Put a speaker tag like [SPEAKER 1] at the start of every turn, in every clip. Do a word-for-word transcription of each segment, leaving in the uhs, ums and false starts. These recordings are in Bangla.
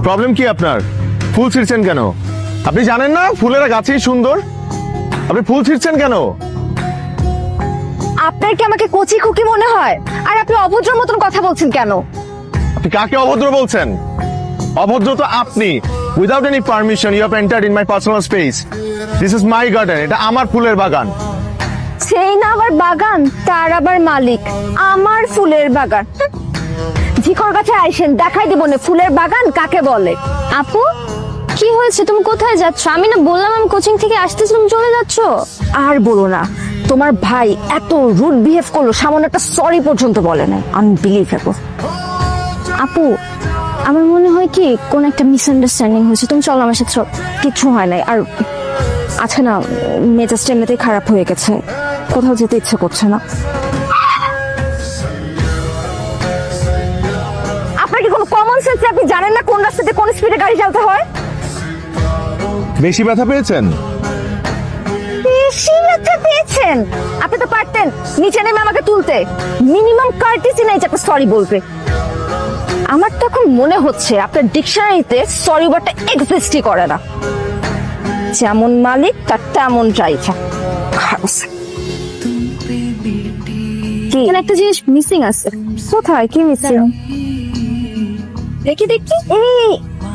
[SPEAKER 1] প্রবলেম কি আপনার? ফুল ছিঁড়ছেন কেন? আপনি জানেন না ফুলেরা গাছেই সুন্দর? আপনি ফুল ছিঁড়ছেন কেন?
[SPEAKER 2] আপনার কি আমাকে কচি খুকি মনে হয়? আর আপনি অভদ্র মতন কথা বলছেন কেন?
[SPEAKER 1] আপনি কাকে অভদ্র বলছেন? অভদ্র তো আপনি। Without any permission you have entered in my personal space. This is my garden, এটা আমার ফুলের বাগান।
[SPEAKER 2] সেই না আবার বাগান, তার আবার মালিক আমার ফুলের বাগান। ঝিকর গাছে আইসেন, দেখাই দেব না ফুলের বাগান কাকে বলে।
[SPEAKER 3] আপু কি হয়েছে, তুমি কোথায় যাচ্ছ? আমি না বললাম আমি কোচিং থেকে আসতেছি, তুমি চলে যাচ্ছ।
[SPEAKER 2] আর বলো না, তোমার ভাই এত রুড বিহেভ করলো, সামান্য একটা সরি পর্যন্ত বলে না। আনবিলিভেবল।
[SPEAKER 3] আপু আমার মনে হয় কি কোন একটা মিসআন্ডারস্ট্যান্ডিং হয়েছে, তুমি চলো আমার সাথে চলো।
[SPEAKER 2] কিছু হয় নাই। আর আজকে না মেজাজটা এমনিতেই খারাপ হয়ে গেছে, কোথাও যেতে ইচ্ছে করছে না। আপনার কি কোনো কমন সেন্স? আপনি জানেন না কোন রাস্তাতে কোন স্পিডে গাড়ি চালাতে হয়?
[SPEAKER 1] বেশি ব্যথা পেয়েছেন?
[SPEAKER 2] বেশি ব্যথা পেয়েছেন? আপনি তো পারতেন নিচে নেমে আমাকে তুলতে। মিনিমাম কার্টিসি নাই যে আপনি সরি বলবে। আমার তো এখন মনে হচ্ছে আপনার ডিকশনারিতে সরি ওয়ার্ডটা এক্সিস্টই করে না। যেমন মালিক তার তেমন ড্রাইভার। কি
[SPEAKER 3] এখানে একটা জিনিস মিসিং আছে।
[SPEAKER 2] কোথায়? কি মিসিং?
[SPEAKER 3] দেখি দেখি।
[SPEAKER 2] এই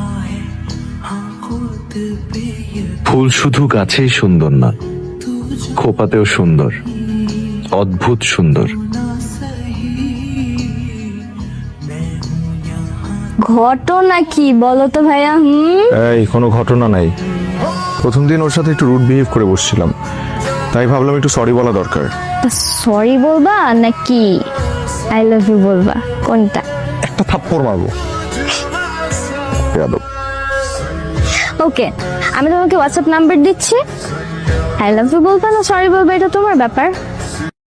[SPEAKER 4] ফুল শুধু গাছেই সুন্দর না, খোপাতেও সুন্দর, অদ্ভুত সুন্দর।
[SPEAKER 3] ঘটনা কি বলো তো ভাইয়া? হুম
[SPEAKER 1] এই কোনো ঘটনা নাই। প্রথম দিন ওর সাথে একটু রুড বিহেভ করে বসছিলাম, তাই ভাবলাম একটু সরি বলা দরকার।
[SPEAKER 3] সরি বলবা নাকি আই লাভ ইউ বলবা, কোনটা?
[SPEAKER 1] একটা থাপ্পড় মারবো। বেয়াদব।
[SPEAKER 3] ওকে, আমি তোমাকে হোয়াটসঅ্যাপ নাম্বার দিচ্ছি। আই লাভ ইউ বলবা না সরি বলবা, এটা তোমার ব্যাপার।